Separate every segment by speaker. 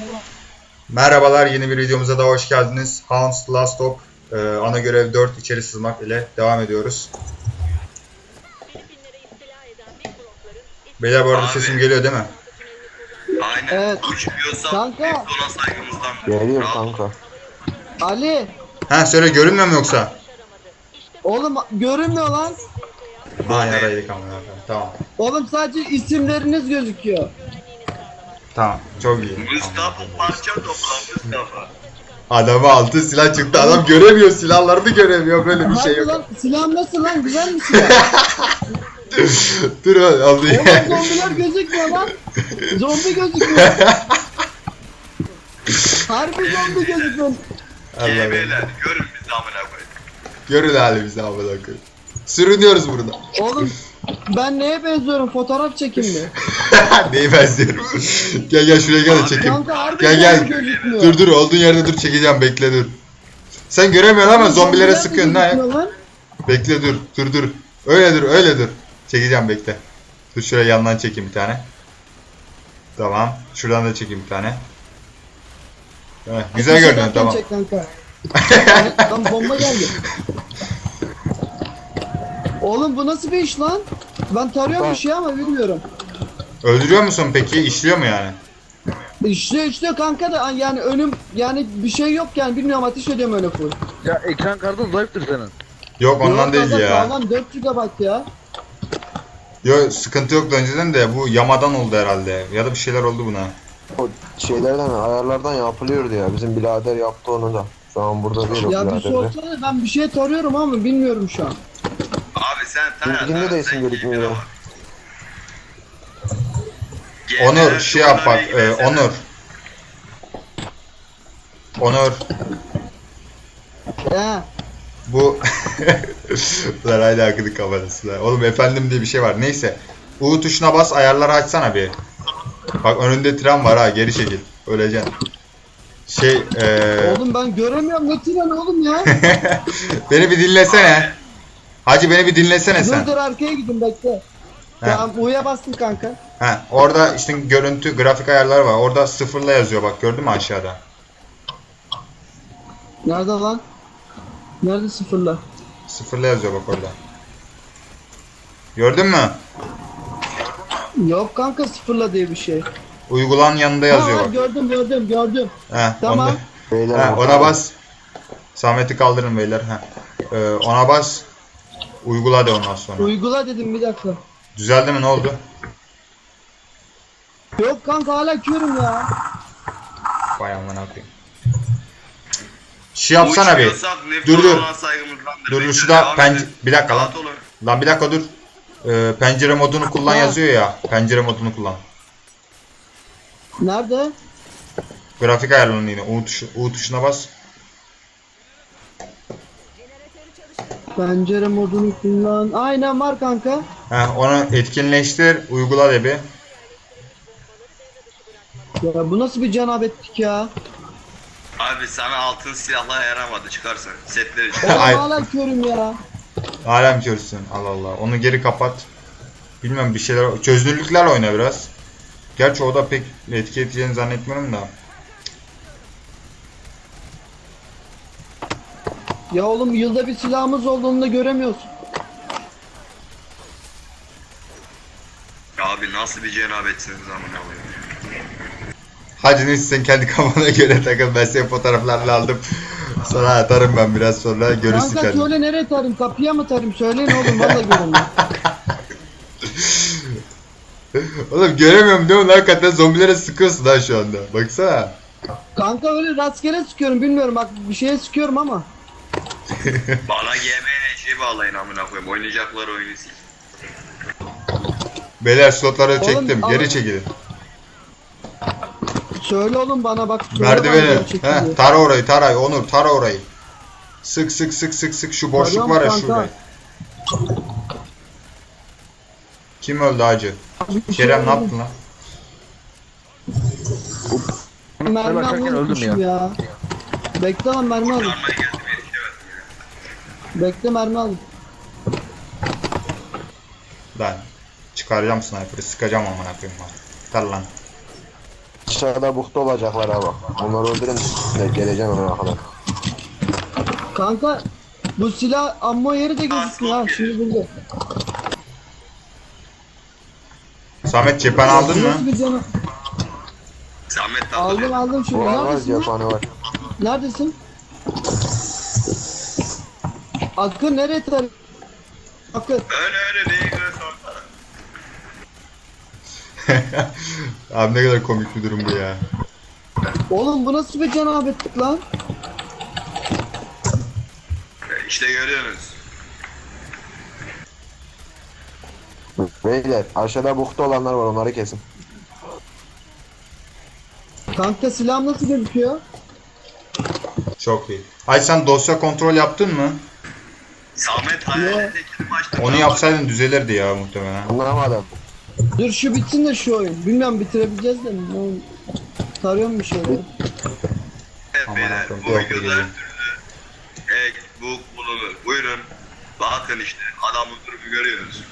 Speaker 1: Merhabalar, yeni bir videomuza da hoş geldiniz. Hounds Last Stop ana görev 4 içeri sızmak ile devam ediyoruz. Beyler bu arada
Speaker 2: Abi.
Speaker 1: sesim geliyor değil mi?
Speaker 2: Aynen.
Speaker 3: Evet.
Speaker 2: Uçmuyorsa
Speaker 3: Kanka.
Speaker 2: hep ona saygımızdan.
Speaker 4: Geliyor
Speaker 2: Rahat.
Speaker 4: kanka.
Speaker 3: Ali.
Speaker 1: Ha söyle, görünmüyor mu yoksa?
Speaker 3: Oğlum görünmüyor lan.
Speaker 1: Ha yaraydık ama. Tamam.
Speaker 3: Oğlum sadece isimleriniz gözüküyor.
Speaker 1: Tamam. Çok iyi.
Speaker 2: Mustafa parça topla Mustafa.
Speaker 1: Adamı altı silah çıktı. Adam göremiyor. Silahlarını göremiyor. Böyle bir şey
Speaker 3: Hadi
Speaker 1: yok.
Speaker 3: lan silahın nasıl lan? Güzel mi silah?
Speaker 1: Dur oğlum.
Speaker 3: Oğlum zombiler gözükmüyor lan. Zombi gözükmüyor. Harbi zombi gözükmüyor.
Speaker 2: GB'ler görün bizi amına koyayım.
Speaker 1: Görün halimizi amına koyayım. Sürünüyoruz burada.
Speaker 3: Oğlum ben neye benziyorum? Fotoğraf çekin mi?
Speaker 1: Neyi benziyorum? Gel şuraya gel de çekeyim.
Speaker 3: Kanka harbi
Speaker 1: Gel.
Speaker 3: zombi gözükmüyor.
Speaker 1: Dur olduğun yerde dur, çekeceğim, bekle dur. Sen göremiyorsun ama zombilere
Speaker 3: Zombiler
Speaker 1: sıkıyorsun ha.
Speaker 3: gözükmüyor lan.
Speaker 1: Bekle dur. Öyle dur. Çekeceğim, bekle. Dur şuraya yandan çekeyim bir tane. Tamam. Şuradan da çekeyim bir tane. Evet, güzel
Speaker 3: Ateş
Speaker 1: görünüyor,
Speaker 3: ederken
Speaker 1: tamam.
Speaker 3: çek kanka. Lan bomba geldi. Oğlum bu nasıl bir iş lan? Ben tarıyorum bir şey ama bilmiyorum.
Speaker 1: Öldürüyor musun peki? İşliyor mu yani?
Speaker 3: İşliyor kanka da yani önüm yani bir şey yok yani bilmiyorum ateş ediyorum öyle full.
Speaker 5: Ya ekran kartın zayıftır senin.
Speaker 1: Yok ondan
Speaker 3: Yok
Speaker 1: değil
Speaker 3: kanka,
Speaker 1: ya.
Speaker 3: Sağlam 4 GB ya.
Speaker 1: Yok sıkıntı yoktu önceden de, bu yamadan oldu herhalde. Ya da bir şeyler oldu buna.
Speaker 4: O şeylerden, ayarlardan yapılıyordu ya. Bizim birader yaptı onu da. Şu an burada değil o
Speaker 3: Ya bir
Speaker 4: birader de.
Speaker 3: sorsana ben bir şey tarıyorum ama bilmiyorum şu an.
Speaker 2: Abi sen
Speaker 4: Bilginde de isim gözükmüyor.
Speaker 1: Onur şey yap bak, Onur.
Speaker 3: He.
Speaker 1: Bu lan hala akıdı kafasına. Oğlum efendim diye bir şey var. Neyse. U tuşuna bas, ayarları açsana bir. Bak önünde tren var ha, geri çekil. Öleceksin.
Speaker 3: Oğlum ben göremiyorum ne tren oğlum ya.
Speaker 1: Beni bir dinlesene. Hacı beni bir dinlesene sen.
Speaker 3: Dur arkaya gidin bekle. Tamam U'ya bastım kanka.
Speaker 1: Orada işte görüntü, grafik ayarları var. Orada sıfırla yazıyor bak, gördün mü aşağıda?
Speaker 3: Nerede lan? Nerede sıfırla?
Speaker 1: Sıfırla yazıyor bak orada. Gördün mü?
Speaker 3: Yok kanka sıfırla diye bir şey.
Speaker 1: Uygulan yanında yazıyor
Speaker 3: Ha,
Speaker 1: bak.
Speaker 3: gördüm.
Speaker 1: He,
Speaker 3: Tamam.
Speaker 1: onda.
Speaker 4: Beyler
Speaker 1: Ona bas. Samet'i kaldırın beyler. Ona bas. Uygula de ondan sonra.
Speaker 3: Uygula dedim bir dakika.
Speaker 1: Düzeldi mi, ne oldu?
Speaker 3: Yok kanka hala körüm ya.
Speaker 1: Vay amına koyayım. Şey yapsana bir. Dur. Dur şurada bir dakika lan. Lan bir dakika dur. Pencere modunu kullan yazıyor ya. Pencere modunu kullan.
Speaker 3: Nerede?
Speaker 1: Grafik ayarlarını yine. U tuşuna bas.
Speaker 3: Pencere modunu kullan. Aynen var kanka.
Speaker 1: Onu etkinleştir. Uygula de bir.
Speaker 3: Ya bu nasıl bir cenabetlik ya?
Speaker 2: Abi sana altın silahla yaramadı, çıkarsın. Setleri çıkar.
Speaker 3: Oğlum
Speaker 1: Ay.
Speaker 3: hala körüm ya.
Speaker 1: Alem görsün. Allah Allah. Onu geri kapat. Bilmem bir şeyler. Çözünürlüklerle oyna biraz. Gerçi o da pek etki edeceğini zannetmiyorum da.
Speaker 3: Ya oğlum yılda bir silahımız olduğunu da göremiyorsun.
Speaker 2: Abi nasıl bir cenabetsiniz amına koyayım.
Speaker 1: Hadi neyse sen kendi kafana göre takıl. Ben senin fotoğraflarını aldım. Sana atarım ben biraz sonra. Görürsün
Speaker 3: Kanka
Speaker 1: kendin.
Speaker 3: söyle nereye tarayayım? Kapıya mı tarayayım? Söyleyin oğlum valla göremiyorum.
Speaker 1: Oğlum göremiyorum değil mi? Hakikaten zombilere sıkıyorsun ha şu anda. Baksana.
Speaker 3: Kanka öyle rastgele sıkıyorum bilmiyorum bak bir şeye sıkıyorum ama.
Speaker 2: Bana GB'ne şey bağlayın amına koyayım. Oynayacaklar oyunu sil.
Speaker 1: Beyler slotları
Speaker 3: Oğlum,
Speaker 1: çektim.
Speaker 3: ama-
Speaker 1: Geri çekilin.
Speaker 3: Söyle oğlum bana bak. söyle bana
Speaker 1: Merdiveni.
Speaker 3: gerçekten.
Speaker 1: Tara orayı. Tara. Onur tara orayı. Sık. Şu boşluk
Speaker 3: Tarıyorum
Speaker 1: var ya
Speaker 3: kanka.
Speaker 1: şurada. Kim öldü hacı?
Speaker 3: Bir şey
Speaker 1: Kerem ne
Speaker 3: oldu.
Speaker 1: yaptın lan?
Speaker 3: Mermi
Speaker 5: başlarken
Speaker 3: almayı
Speaker 5: öldüm
Speaker 3: unutmuşum ya. Bekle lan mermi alayım.
Speaker 2: Kurtarmaya geldi bir şey verdim.
Speaker 3: Bekle mermi alayım.
Speaker 1: Lan çıkaracağım sniper'ı, sıkacağım amına koyayım lan. Tar lan.
Speaker 4: Aşağıda bukta olacaklar ama. Onları öldürün de geleceğim oraya kadar.
Speaker 3: Kanka bu silah ammo yeri de gözükmüyor ha. Şimdi buldu.
Speaker 1: Samet cephane aldın mı?
Speaker 2: Samet de
Speaker 3: Aldım aldım şimdi.
Speaker 4: Var
Speaker 3: Neredesin? lan?
Speaker 4: cephane var.
Speaker 3: Neredesin? Akın nereye tar? Akın.
Speaker 2: Öyle neyi görüyorsun?
Speaker 1: Abi ne kadar komik bir durum bu ya.
Speaker 3: Oğlum bu nasıl bir cenabetlik lan?
Speaker 2: İşte görüyorsunuz.
Speaker 4: Beyler aşağıda bukta olanlar var, onları kesin.
Speaker 3: Kanka silahım nasıl gözüküyor?
Speaker 1: Çok iyi. Ay sen dosya kontrol yaptın mı?
Speaker 2: Samet hayalindekini açtı.
Speaker 1: Onu yapsaydın düzelirdi ya muhtemelen.
Speaker 4: Anlamadım.
Speaker 3: Dur şu bitsin de şu oyun. Bilmiyorum bitirebileceğiz de mi? Ben tarıyorum bir şeyler.
Speaker 2: Evet
Speaker 1: Aman
Speaker 2: beyler,
Speaker 1: Allah'ım,
Speaker 2: bu
Speaker 1: yok
Speaker 2: videoda
Speaker 1: diyelim.
Speaker 2: her türlü ek, book bulunur. Buyurun. Bakın işte adamın durumu görüyorsunuz.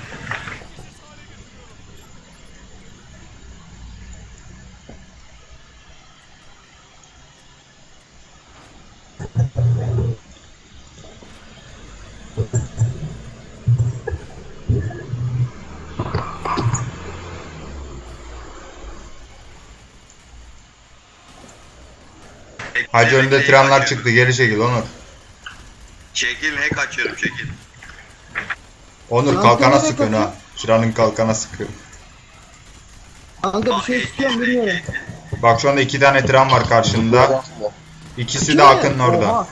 Speaker 1: Hacı önünde trenler çıktı, geri çekil Onur.
Speaker 2: Çekil, hack açıyorum çekil.
Speaker 1: Onur
Speaker 3: Lan
Speaker 1: kalkana
Speaker 3: nereye
Speaker 1: sıkıyorsun ha. Şuranın kalkana sıkıyor.
Speaker 3: Kanka bir şey istiyorum bilmiyorum.
Speaker 1: Bak şu anda 2 tane tren var karşında. İkisi de
Speaker 3: Kimi?
Speaker 1: Akın'ın orada.
Speaker 3: Oha.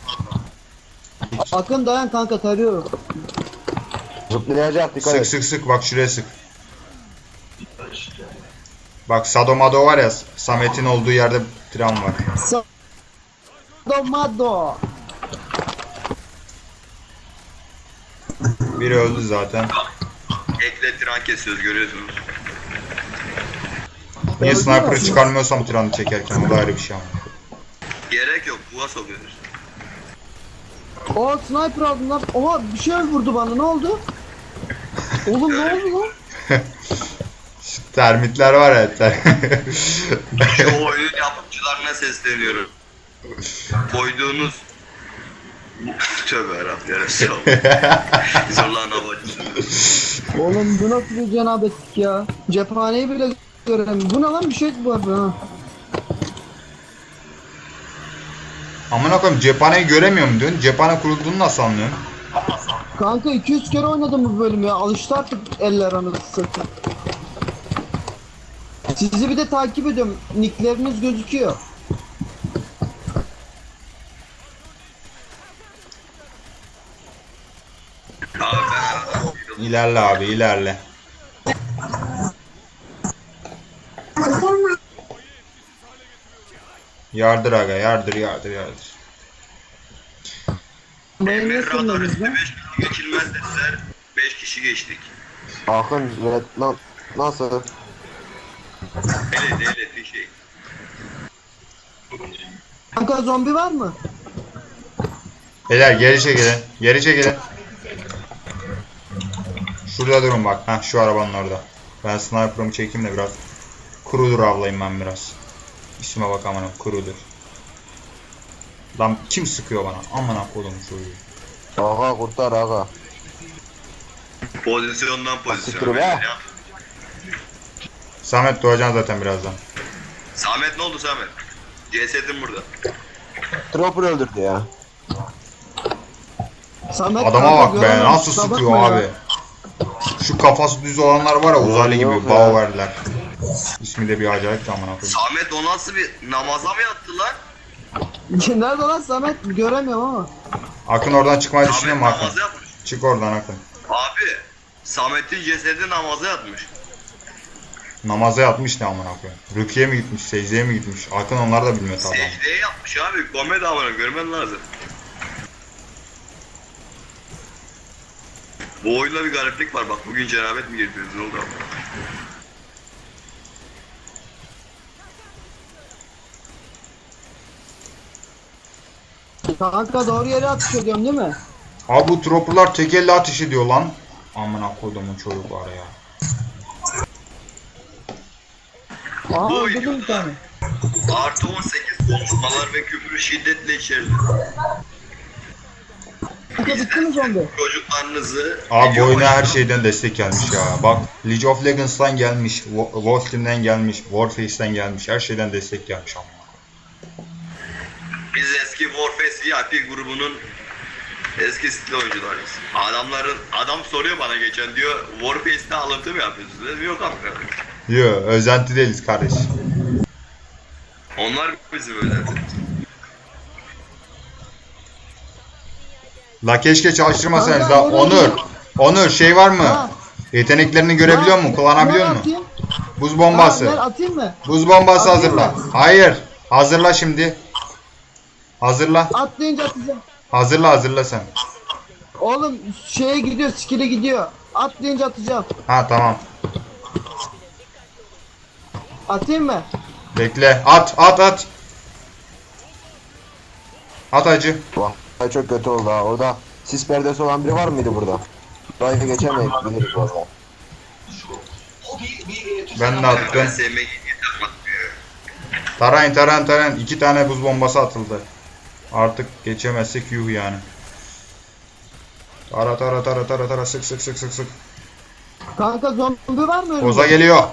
Speaker 3: Akın dayan kanka tarıyorum.
Speaker 4: Zıplayacak, dikkat
Speaker 1: Sık
Speaker 4: et.
Speaker 1: sık sık bak şuraya sık. Bak Sadomado var ya, Samet'in olduğu yerde tren var.
Speaker 3: Sadomado.
Speaker 1: Biri öldü zaten.
Speaker 2: Ekle tren kesiyoruz görüyorsunuz.
Speaker 1: Niye
Speaker 3: Öldü
Speaker 1: sniper'ı
Speaker 3: aslında.
Speaker 1: çıkarmıyorsam treni çekerken, o da ayrı bir şey ama.
Speaker 2: Gerek yok, buğa sokuyoruz.
Speaker 3: Oha sniper aldım lan. Oha bir şey vurdu bana ne oldu? Oğlum ne oldu lan?
Speaker 1: Şu termitler var ya
Speaker 2: Şu oyunun yapımcılarına sesleniyorum. Koyduğunuz tövbe yarabbim Resulallah. Zorlan havacısı.
Speaker 3: Oğlum bu nasıl bir cenabetlik ya? Cephaneyi bile göremiyorum. Bu ne lan bir şey var ha.
Speaker 1: Amına koyayım, cephaneyi göremiyorum diyorsun. Cephane kurulduğunu nasıl anlıyorsun?
Speaker 3: Kanka 200 kere oynadım bu bölüm ya. Alıştı artık eller anasını satayım. Sizi bir de takip ediyorum. Nickleriniz gözüküyor.
Speaker 2: Abi ben aradım.
Speaker 1: İlerle abi, ilerle. Yardır aga, yardır.
Speaker 3: Beni ne
Speaker 2: Emir radar
Speaker 3: sınırdınız
Speaker 2: üstü
Speaker 3: lan?
Speaker 2: 5 kişi geçilmez dediler. 5 kişi geçtik.
Speaker 4: Akın lan nasıl?
Speaker 2: Ele bir şey.
Speaker 3: Kanka zombi var mı?
Speaker 1: Beyler geri çekilin. Şurada durun bak, heh, şu arabanın orada. Ben sniper'ımı çekeyim de biraz. Kurudur avlayayım ben biraz. İsme bak amına, kurudur. Lan kim sıkıyor bana? Amına koydum çocuğu.
Speaker 4: Aga kurtar aga.
Speaker 2: Pozisyondan pozisyona.
Speaker 4: Siktir be.
Speaker 2: Ya.
Speaker 1: Samet doğacaksın zaten birazdan.
Speaker 2: Samet ne oldu Samet? Cesedin burada.
Speaker 4: Dropper öldürdü ya.
Speaker 3: Samet
Speaker 1: Adama
Speaker 3: kanka
Speaker 1: bak be,
Speaker 3: göremem.
Speaker 1: nasıl
Speaker 3: Kusura
Speaker 1: sıkıyor
Speaker 3: bakma
Speaker 1: abi.
Speaker 3: ya.
Speaker 1: Şu kafası düz olanlar var ya, uzaylı
Speaker 4: Yok
Speaker 1: gibi
Speaker 4: ya.
Speaker 1: Bauer'ler. İsmi de bir acayip de amına koyayım.
Speaker 2: Samet o nasıl bir namaza mı yattı lan?
Speaker 3: Nerede lan Samet? Göremiyorum ama.
Speaker 1: Akın oradan çıkmayı düşünüyor
Speaker 2: Samet
Speaker 1: mu Akın?
Speaker 2: namaza yatmış.
Speaker 1: Çık oradan Akın.
Speaker 2: Abi Samet'in cesedi namaza yatmış.
Speaker 1: Namaza yatmış ne amına koyayım. Rüküye mi gitmiş, secdeye mi gitmiş? Akın onlar da bilmiyor tabi.
Speaker 2: Secdeye yapmış abi. Komedi amına görmen lazım. Bu oyunda bir gariplik var bak bugün cenabet mi getirdiniz ne oldu abi?
Speaker 3: Kanka doğru yere atış ediyorum değil mi?
Speaker 1: Abi bu tropperlar tek elle ateş ediyor lan. Amına koyduğumun çocukları ya.
Speaker 3: Aha
Speaker 2: Bu
Speaker 3: öldürdüm bir tane.
Speaker 2: Artı 18 konuşmalar ve küfür şiddetle içerdi.
Speaker 3: Kanka bitti mi zombi?
Speaker 2: Çocuklarınızı
Speaker 1: Abi bu
Speaker 2: video
Speaker 1: oyuna her
Speaker 2: başında-
Speaker 1: şeyden destek gelmiş ya. Bak League of Legends'tan gelmiş, Wolf Team'den gelmiş, Warface'den gelmiş. Her şeyden destek gelmiş ama.
Speaker 2: Biz eski Warface VIP grubunun eski stil oyuncularıyız. Adam soruyor bana geçen diyor Warface'te alıntı mı yapıyorsunuz? Dedim yok abi.
Speaker 1: Yo, özenti değiliz kardeş.
Speaker 2: Onlar bizim özenti.
Speaker 1: La keşke çalıştırmasanız
Speaker 3: Kanka,
Speaker 1: la.
Speaker 3: nereye
Speaker 1: Onur.
Speaker 3: gidiyorsun?
Speaker 1: Onur şey var mı?
Speaker 3: Ha.
Speaker 1: Yeteneklerini görebiliyor musun? Kullanabiliyor
Speaker 3: Ver
Speaker 1: musun?
Speaker 3: atayım.
Speaker 1: Buz
Speaker 3: Ha, ver
Speaker 1: bombası.
Speaker 3: atayım mı?
Speaker 1: Buz bombası
Speaker 3: Atayım
Speaker 1: hazırla.
Speaker 3: mı?
Speaker 1: Hayır. Hazırla şimdi. Hazırla.
Speaker 3: Atlayınca atacağım.
Speaker 1: Hazırla sen.
Speaker 3: Oğlum şeye gidiyor, skill'e gidiyor. Atlayınca atacağım.
Speaker 1: Ha tamam.
Speaker 3: Atayım mı?
Speaker 1: Bekle. At. At acı.
Speaker 4: Vay çok kötü oldu ha. Orada sis perdesi olan biri var mıydı burada? Burayı geçemeyiz biliriz valla.
Speaker 1: Ben de
Speaker 2: Ben
Speaker 1: attım.
Speaker 2: sevmeyi yapmadım ya.
Speaker 1: Taran. 2 tane buz bombası atıldı. Artık geçemezsek yuh yani. Tara sık.
Speaker 3: Kanka zombi var mı önümde?
Speaker 1: Koza geliyor.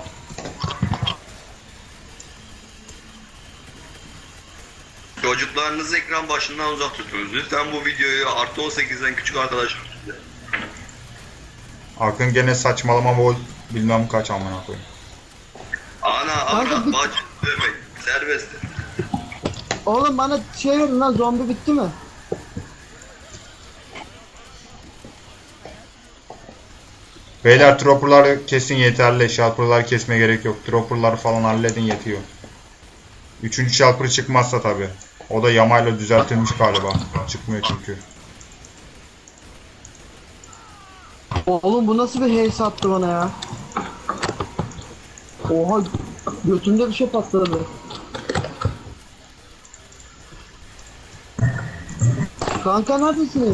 Speaker 2: Çocuklarınızı ekran başından uzak tutunuz. Lütfen bu videoyu artı 18'den küçük arkadaşlar.
Speaker 1: Akın gene saçmalama vol bilmem kaç amına koyayım.
Speaker 2: Ana,
Speaker 3: Kanka
Speaker 2: avrat,
Speaker 3: bir-
Speaker 2: bacı, dövmek, serbest.
Speaker 3: Oğlum bana şey verin lan, zombi bitti mi?
Speaker 1: Beyler dropperları kesin yeterli. Shelper'ları kesme gerek yok. Dropper'ları falan halledin yetiyor. 3. shelper çıkmazsa tabi. O da yamayla düzeltilmiş galiba. Çıkmıyor çünkü.
Speaker 3: Oğlum bu nasıl bir haze attı bana ya? Oha, götümde bir şey patladı. Kanka neredesiniz?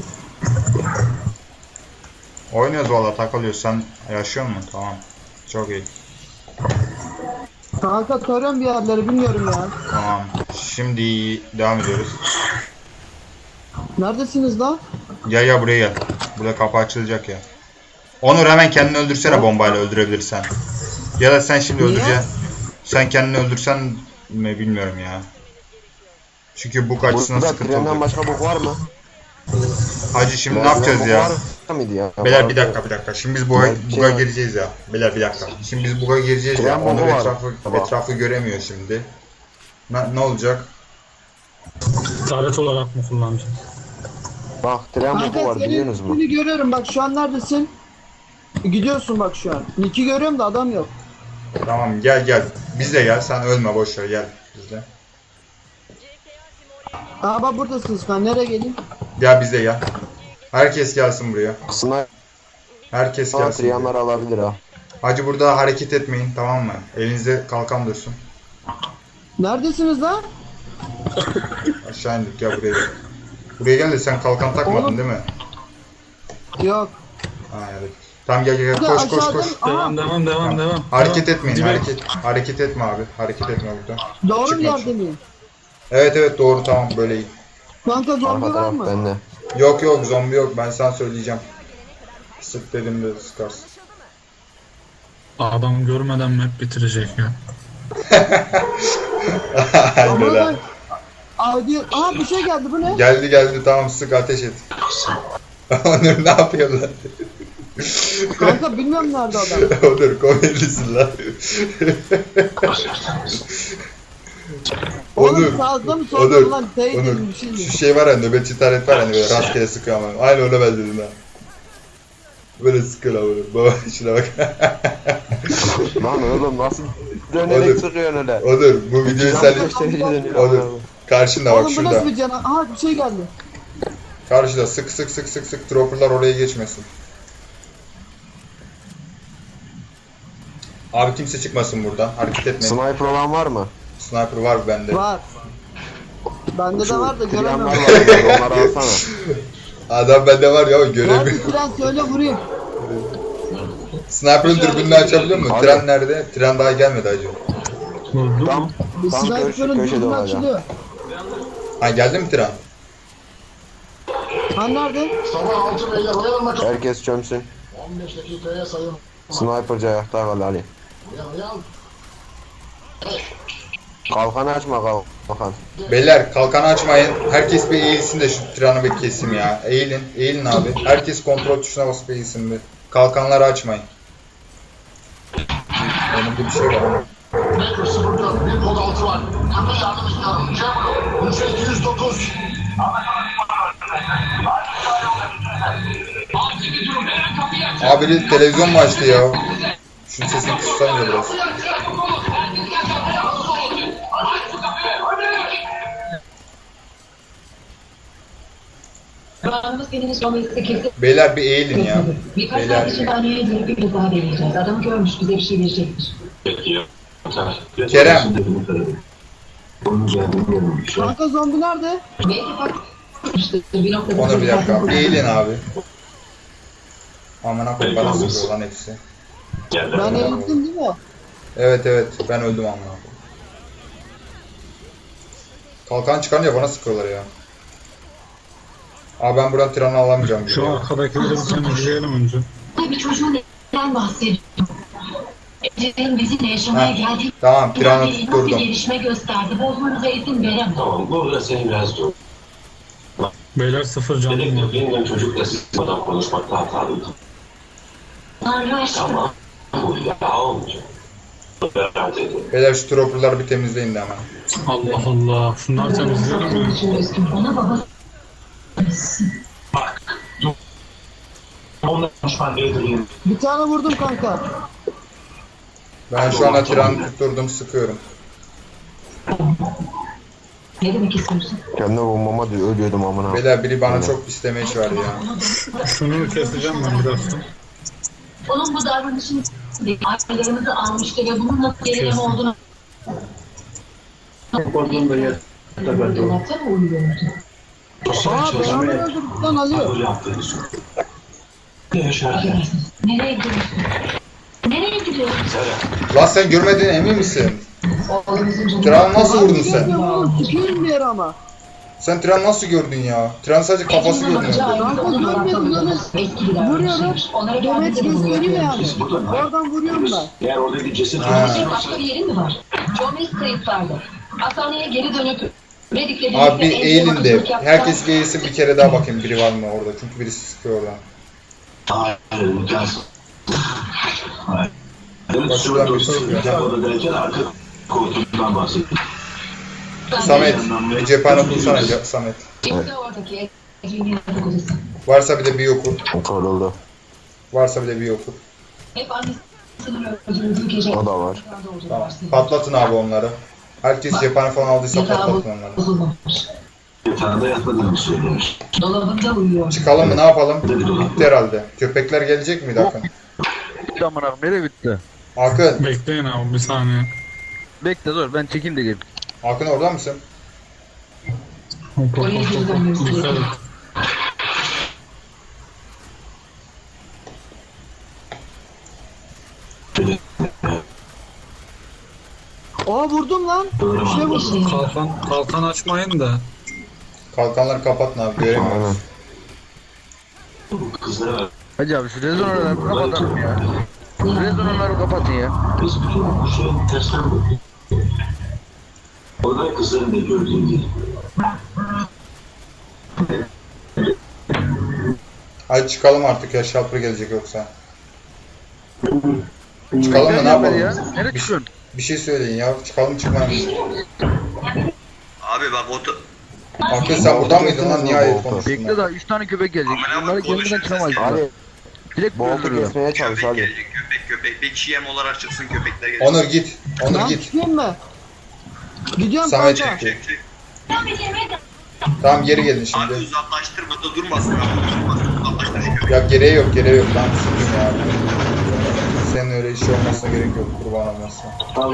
Speaker 1: Oynuyoruz valla takılıyoruz. Sen yaşıyor musun? Tamam. Çok iyi.
Speaker 3: Kanka tarıyorum bir yerleri, bilmiyorum ya.
Speaker 1: Tamam. Şimdi devam ediyoruz.
Speaker 3: Neredesiniz lan?
Speaker 1: Gel buraya gel. Burada kapı açılacak ya. Onur hemen kendini öldürsene bombayla öldürebilirsen. Ya da sen şimdi
Speaker 3: Niye?
Speaker 1: öldüreceksin. Sen kendini öldürsen mi bilmiyorum ya. Çünkü bu açısından
Speaker 4: Burada
Speaker 1: sıkıntı
Speaker 4: trenden
Speaker 1: olacak.
Speaker 4: başka bok var mı?
Speaker 1: Hacı şimdi ne
Speaker 4: Trenden
Speaker 1: yapacağız
Speaker 4: bok
Speaker 1: ya?
Speaker 4: Var mıydı ya?
Speaker 1: Beyler
Speaker 4: Vardı.
Speaker 1: bir dakika. Şimdi biz buga
Speaker 4: Şey-
Speaker 1: gireceğiz ya. Beyler bir dakika. Şimdi biz buga gireceğiz ya.
Speaker 4: Tren
Speaker 1: Onur
Speaker 4: bomba var. Tamam.
Speaker 1: etrafı göremiyor şimdi. Ne olacak?
Speaker 6: Taret olarak mı kullanacağım?
Speaker 4: Bak tren boku
Speaker 3: Kanka
Speaker 4: var biliyorsunuz
Speaker 3: senin
Speaker 4: mu?
Speaker 3: ismini görüyorum, bak şu an neredesin? Gidiyorsun bak şu an. Nick'i görüyorum da adam yok.
Speaker 1: Tamam gel. Biz de gel. Sen ölme boş ver gel bizde.
Speaker 3: Aa bak buradasınız lan, nereye geleyim?
Speaker 1: Gel bizde gel. Herkes gelsin buraya.
Speaker 4: Sniper
Speaker 1: Herkes gelsin. buraya.
Speaker 4: triyanlar alabilir ha.
Speaker 1: Hacı burada hareket etmeyin tamam mı? Elinizde kalkan dursun.
Speaker 3: Neredesiniz lan?
Speaker 1: Aşağı indik gel buraya gel. Buraya gel de sen kalkan takmadın
Speaker 3: Oğlum.
Speaker 1: değil mi?
Speaker 3: Yok.
Speaker 1: Ha evet. Tamam gel
Speaker 3: Bir de
Speaker 1: koş.
Speaker 3: aşağıdan- Aha,
Speaker 6: Devam.
Speaker 1: Hareket
Speaker 6: Devam.
Speaker 1: etmeyin
Speaker 6: Dibe-
Speaker 1: hareket etme abi. Hareket etme burada.
Speaker 3: doğru bir
Speaker 1: Çıkma.
Speaker 3: yerde miyim?
Speaker 1: Evet doğru tamam böyle iyi.
Speaker 3: Kanka zombi
Speaker 4: Arka
Speaker 3: var
Speaker 4: taraf
Speaker 3: mı?
Speaker 4: bende.
Speaker 1: Yok zombi yok ben sana söyleyeceğim. Sık dediğimde sıkarsın.
Speaker 6: Adam görmeden map bitirecek ya.
Speaker 3: Ama
Speaker 1: Aynen
Speaker 3: ben...
Speaker 1: öyle.
Speaker 3: Audio... Aa bir şey geldi, bu ne?
Speaker 1: Geldi tamam sık ateş et. Onur ne yapıyorlar?
Speaker 3: Kanka bilmiyorum nerede adam.
Speaker 1: Onur komedisin lan.
Speaker 3: Oğlum sağda mı solda
Speaker 1: Onur,
Speaker 3: mı lan? Teyit
Speaker 1: Onur.
Speaker 3: dedim bir şey mi?
Speaker 1: Şu şey var ya nöbetçi taret var hani böyle rastgele sıkıyor ama. Aynı öyle benzedim ha. Böyle sıkıyor lan böyle. Baba şuna bak.
Speaker 4: Lan oğlum nasıl
Speaker 1: Oğlum.
Speaker 4: dönerek sıkıyorsun öyle?
Speaker 1: Onur bu videoyu sen Onur karşında bak
Speaker 3: Oğlum bu
Speaker 1: şurada.
Speaker 3: nasıl bir cana? Aha bir şey geldi.
Speaker 1: Karşıda sık dropperlar oraya geçmesin. Abi kimse çıkmasın buradan. Hareket etmeyin.
Speaker 4: Sniper olan var mı?
Speaker 1: Sniper var bende.
Speaker 3: Var. Bende de var da göremem.
Speaker 4: Triyanlar var onları alsana.
Speaker 1: Adam bende var ya göremiyor.
Speaker 3: Nerede tren, söyle vurayım.
Speaker 1: Sniper'ın dürbününü açabiliyor musun?
Speaker 4: Abi.
Speaker 1: Tren nerede? Tren daha gelmedi hacı.
Speaker 6: Buldum.
Speaker 4: Tam
Speaker 3: Sniper'ın
Speaker 4: köşede
Speaker 3: dürbünü
Speaker 4: olacak.
Speaker 3: açılıyor.
Speaker 1: Ha geldi mi tren?
Speaker 3: Ha nerede?
Speaker 7: Sabah 6 beyler oyalanma çok.
Speaker 4: Herkes çömsün.
Speaker 7: 15 dakikaya sayın.
Speaker 4: Sniper'cı ayakta kal Ali.
Speaker 7: Uyan.
Speaker 4: Kalkan açma kalkan.
Speaker 1: Beyler kalkanı açmayın. Herkes bir eğilsin de şu treni bir kesim ya. Eğilin. Eğilin abi. Herkes kontrol tuşuna basıp eğilsin bir. Kalkanları açmayın. Önümde bir şey var ama.
Speaker 7: Baker 04 bir kod 6 var. Kanka yardım istiyorum. Cemro. 3209.
Speaker 1: Abi biri televizyon mu açtı ya? Şunun sesini kıssanıza biraz.
Speaker 8: Kulağımız kendini sormayı kesin.
Speaker 1: Beyler bir eğilin ya.
Speaker 8: Birkaç
Speaker 1: Beyler
Speaker 8: saat için anneye girip bir kez daha deneyeceğiz. Adamı görmüş bize bir şey verecektir.
Speaker 1: Kerem.
Speaker 3: Kanka zombi nerede?
Speaker 8: Belki fark bir noktada...
Speaker 1: Onur bir dakika. Bir eğilin abi. Aman koyayım bana sıkıyor lan hepsi.
Speaker 3: Ben eğildim değil mi?
Speaker 1: Evet evet ben öldüm amına koyayım. Kalkan çıkarınca bana sıkıyorlar ya. Abi ben buradan treni alamayacağım.
Speaker 6: Şu arkadakileri bir temizleyelim önce.
Speaker 8: Bir çocuğun neden bahsediyor? Ece'nin bizimle yaşamaya
Speaker 1: Heh,
Speaker 8: geldiği...
Speaker 1: tamam, planı
Speaker 8: nasıl bir
Speaker 1: tutturdum.
Speaker 8: gelişme gösterdi. Bozmanıza izin veremem.
Speaker 9: Tamam, burada seni biraz dur.
Speaker 6: Beyler sıfır canım
Speaker 9: Dedim
Speaker 6: var.
Speaker 9: ki yeniden çocukla sıkmadan konuşmakta hatalıydım.
Speaker 8: Tanrı aşkına.
Speaker 9: Tamam, bu ya olmayacak. Beraber dedim.
Speaker 1: Beyler şu tropperları bir temizleyin de hemen.
Speaker 6: Allah Allah. Şunları temizleyelim
Speaker 8: Onun
Speaker 6: mi?
Speaker 8: için üzgün. Ona baba...
Speaker 9: Onunla konuşman gerektiğini
Speaker 3: Bir tane vurdum kanka.
Speaker 1: Ben şu anda treni tutturdum sıkıyorum.
Speaker 8: Ne demek istiyorsun?
Speaker 4: Kendi bombama diyor ölüyordum amına.
Speaker 1: Beyler biri bana çok pis damage verdi ya.
Speaker 6: Şunu keseceğim ben birazdan.
Speaker 8: Onun bu davranışını ailelerimizi almıştı ve bunun nasıl gerileme olduğunu... Dolapta mı uyuyordu?
Speaker 3: Aa beraber öldürdük lan Ali.
Speaker 9: böyle yaptığını sor. Ne yaşarken?
Speaker 8: Affedersiniz. Nereye gidiyorsun? Nereye gidiyorsun?
Speaker 1: Lan sen görmediğine emin misin?
Speaker 8: Oğlumuzun canı...
Speaker 1: Tren nasıl vurdun
Speaker 3: Abi
Speaker 1: sen?
Speaker 3: görmüyorum oğlum. Çıkıyorum bir yere ama.
Speaker 1: Sen tren nasıl gördün ya? Tren sadece kafası görünüyor.
Speaker 3: Kanka görmüyorum lan. Vuruyorum.
Speaker 8: Onlara
Speaker 3: Demet
Speaker 8: gelmedi bunu
Speaker 3: gösteriyor yani.
Speaker 8: yapıyoruz.
Speaker 3: Oradan vuruyorum ben.
Speaker 9: Eğer orada bir ceset
Speaker 1: Ha.
Speaker 9: olursa
Speaker 8: Başka bir yerin mi var? John Mills kayıtlarda. Hastaneye geri dönüp Medik'le birlikte
Speaker 1: Abi bir
Speaker 8: en son
Speaker 1: eğilin de.
Speaker 8: bakıcılık yaptılar.
Speaker 1: Herkes bir eğilsin bir kere daha bakayım biri var mı orada. Çünkü birisi sıkıyor oradan.
Speaker 9: hayır, imkansız. Hayır.
Speaker 1: Bak şuradan bir şey yok ya.
Speaker 9: Orada derken arka koltuğundan bahsettim.
Speaker 1: Samet bir cephane bulsana Samet.
Speaker 8: İşte oradaki Ece'nin yatak odası.
Speaker 1: Varsa bir de bir okur.
Speaker 4: Kırıldı.
Speaker 1: Varsa bir de bir okur.
Speaker 8: Hep annesinin öldürüldüğü gece.
Speaker 4: O da var.
Speaker 1: Tamam. Patlatın abi onları. Herkes cephane falan aldıysa
Speaker 8: Yatağı
Speaker 1: patlatın onları.
Speaker 8: bozulmamış.
Speaker 9: Yatağında yatmadığını söylemiş.
Speaker 8: Dolabında uyuyor.
Speaker 1: Çıkalım mı ne yapalım? Bitti herhalde. Köpekler gelecek miydi Akın?
Speaker 5: Bitti amına koyayım, nereye bitti?
Speaker 1: Akın.
Speaker 6: Bekleyin abi bir saniye.
Speaker 5: Bekle dur ben çekeyim de gelip.
Speaker 1: Akın orada mısın?
Speaker 6: Hop hop
Speaker 8: Oraya
Speaker 6: hop
Speaker 8: geri
Speaker 6: hop.
Speaker 8: dönmemiz
Speaker 6: Dikkat
Speaker 8: gerekiyor.
Speaker 6: et.
Speaker 3: Aa vurdum lan. Bir şey vurdum.
Speaker 6: Kalkan açmayın da.
Speaker 1: Kalkanları kapatın abi
Speaker 4: Aynen.
Speaker 1: göremiyoruz.
Speaker 9: Kızlara
Speaker 5: Hacı abi şu rezonaları kapatalım ya. Rezonaları kapatın ya.
Speaker 9: biz bütün bu şeyin tersten bakıyor. Orada kızların da gördüğüm gibi.
Speaker 1: Hadi çıkalım artık ya şalpır gelecek yoksa. Çıkalım mı ne yapalım?
Speaker 5: Ya. Nereye çıkıyorsun?
Speaker 1: Bir şey söyleyin ya çıkalım çıkmayalım.
Speaker 2: Abi bak
Speaker 1: Akın sen burada mıydın lan niye ayıp konuştun
Speaker 5: Bekle
Speaker 1: lan?
Speaker 5: daha 3 tane köpek gelecek.
Speaker 2: Amına
Speaker 5: Bunları
Speaker 2: koyayım,
Speaker 5: kendimden çıkamayız.
Speaker 4: Ali
Speaker 5: Direkt
Speaker 4: bu oltu
Speaker 5: öldürüyor.
Speaker 4: kesmeye çalış
Speaker 2: köpek
Speaker 4: Ali.
Speaker 2: gelecek köpek. Bir GM olarak çıksın köpekler gelecek.
Speaker 1: Onur git. Onur
Speaker 3: Lan
Speaker 1: git.
Speaker 3: çıkayım mı? Gidiyorum
Speaker 1: Samet
Speaker 3: kanka.
Speaker 1: çekti.
Speaker 2: Çek.
Speaker 1: Tamam geri gelin
Speaker 2: Abi
Speaker 1: şimdi.
Speaker 2: uzaklaştırma da durmasın abi. Durmasın uzaklaştır şu köpeği.
Speaker 1: Ya gereği yok gereği yok. Tamam sıkın ya. Senin öyle işi olmasına gerek yok kurban olmasına.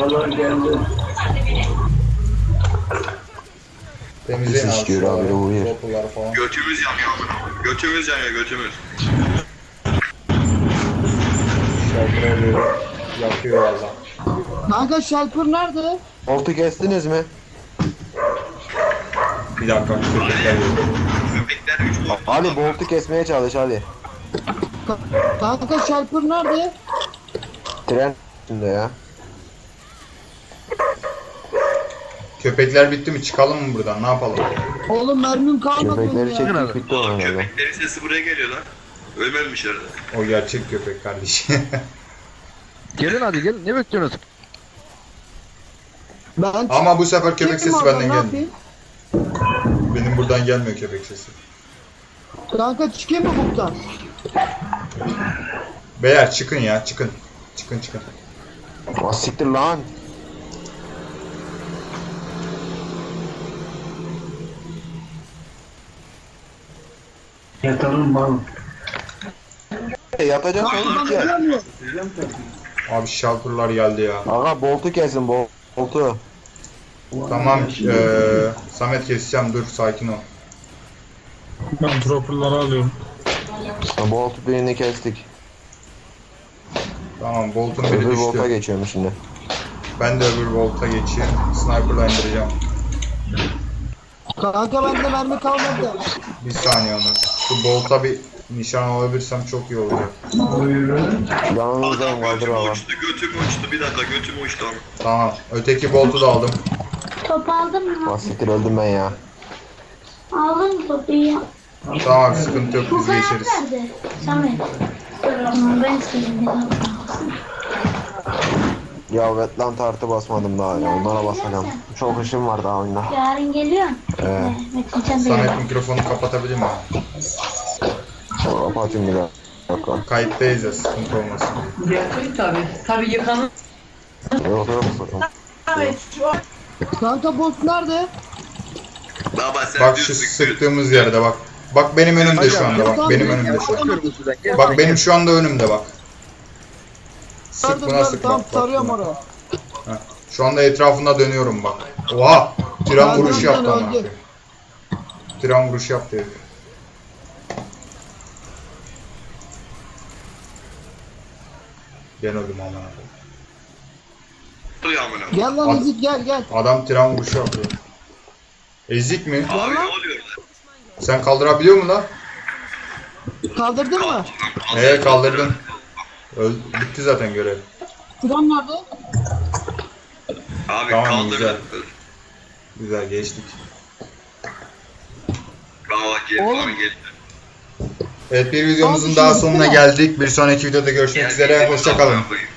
Speaker 1: Temizleyin
Speaker 4: Pis
Speaker 1: abi
Speaker 4: iş görüyor abi,
Speaker 1: şuraları,
Speaker 4: uyuyor.
Speaker 1: topluları falan.
Speaker 2: Götümüz yanıyor. Götümüz yanıyor götümüz.
Speaker 1: Şaltıra böyle yakıyor valla.
Speaker 3: Kanka Shelper nerede?
Speaker 4: Bolt'u kestiniz mi?
Speaker 1: Bir dakika köpekler geliyor.
Speaker 2: Köpekler 3 boyutlu.
Speaker 4: Ali Bolt'u kesmeye çalış Ali.
Speaker 3: Kanka Shelper nerede?
Speaker 4: Tren üstünde ya.
Speaker 1: Köpekler bitti mi? Çıkalım mı buradan? Ne yapalım?
Speaker 3: Oğlum mermim kalmadı benim
Speaker 4: Köpekleri
Speaker 3: ya.
Speaker 4: çektik bitti o herhalde.
Speaker 2: Köpeklerin sesi buraya geliyor lan. Ölmemişler de.
Speaker 1: O gerçek köpek kardeşim.
Speaker 5: Gelin hadi gelin. Ne bekliyorsunuz?
Speaker 3: Ben
Speaker 1: Ama bu sefer köpek
Speaker 3: çıktım
Speaker 1: sesi
Speaker 3: oradan,
Speaker 1: benden
Speaker 3: ne
Speaker 1: gelmiyor.
Speaker 3: yapayım?
Speaker 1: Benim buradan gelmiyor köpek sesi.
Speaker 3: Kanka çıkayım mı buradan?
Speaker 1: Beyler çıkın ya çıkın. Çıkın.
Speaker 4: Ah siktir lan. Yatacak oğlum ki.
Speaker 1: Abi şalpırlar geldi ya.
Speaker 4: Aga Bolt'u kesin Bolt'u.
Speaker 1: Tamam Samet keseceğim dur sakin ol.
Speaker 6: Ben tropperları alıyorum.
Speaker 4: Bolt birini kestik.
Speaker 1: Tamam Bolt'un biri
Speaker 4: Öbür Bolt'a
Speaker 1: düştü.
Speaker 4: geçiyorum şimdi.
Speaker 1: Ben de öbür Bolt'a geçeyim. Sniper'la indireceğim.
Speaker 3: Kanka bende mermi kalmadı.
Speaker 1: Bir saniye onu. Şu Bolt'a bir nişan alabilirsem çok iyi olacak.
Speaker 4: Yanınızdayım kaldır
Speaker 2: Götüm
Speaker 4: aga.
Speaker 2: uçtu, götüm uçtu. Bir dakika götüm uçtu ama.
Speaker 1: Tamam. Öteki Bolt'u da aldım.
Speaker 8: Top aldın mı?
Speaker 4: Ah siktir öldüm ben ya.
Speaker 8: Aldın mı topu ya?
Speaker 1: Tamam sıkıntı yok biz
Speaker 8: Bu kadar
Speaker 1: geçeriz.
Speaker 8: nerede? Samet. Tamam ben istedim.
Speaker 4: Ya Wetland artı basmadım daha ya. Onlara basacağım. Çok işim var daha oyunda.
Speaker 8: Yarın geliyorsun. Metin sen de
Speaker 1: Samet
Speaker 8: gel.
Speaker 1: mikrofonu kapatabilir mi?
Speaker 4: Kapatayım bir dakika.
Speaker 1: Kayıttayız ya sıkıntı olmasın.
Speaker 10: Tabii yıkanır.
Speaker 4: Yok sakın.
Speaker 3: Kanka boss nerede?
Speaker 2: Baba sen
Speaker 1: Bak
Speaker 2: düz
Speaker 1: şu
Speaker 2: sıktın.
Speaker 1: sıktığımız yerde bak. Bak benim önümde şu anda bak. Benim önümde şu an.
Speaker 5: Bakıyorum sizden. Gel.
Speaker 1: Bak benim şu anda önümde bak. Sık
Speaker 3: Gördüm,
Speaker 1: buna
Speaker 3: gördüm.
Speaker 1: sık
Speaker 3: Tamam
Speaker 1: bak.
Speaker 3: sarıyorum
Speaker 1: bak.
Speaker 3: oraya.
Speaker 1: Heh. Şu anda etrafında dönüyorum bak. Oha! Tren
Speaker 3: Ben
Speaker 1: vuruşu
Speaker 3: zaten
Speaker 1: yaptı ama.
Speaker 3: öldüm.
Speaker 1: Tren vuruşu yaptı herif. Ben öldüm aman abi.
Speaker 2: Oluyor amına.
Speaker 3: Gel lan
Speaker 1: Ad-
Speaker 3: Ezik gel.
Speaker 1: Adam tren vuruşu yaptı. Ezik mi?
Speaker 2: Abi ne oluyor lan?
Speaker 1: Sen kaldırabiliyor musun lan?
Speaker 3: Kaldırdın mı?
Speaker 1: Kaldırdın. Bitti zaten görev.
Speaker 3: Tren nerede?
Speaker 2: Abi
Speaker 1: Tamam,
Speaker 2: kaldır.
Speaker 1: güzel. Güzel geçtik.
Speaker 2: Baba gel,
Speaker 3: Oğlum.
Speaker 2: bana gel.
Speaker 1: Evet bir videomuzun
Speaker 3: Abi
Speaker 1: daha
Speaker 3: şimdi
Speaker 1: sonuna
Speaker 3: bitti mi?
Speaker 1: geldik. Bir sonraki videoda görüşmek üzere. Hoşçakalın.
Speaker 2: Koyayım.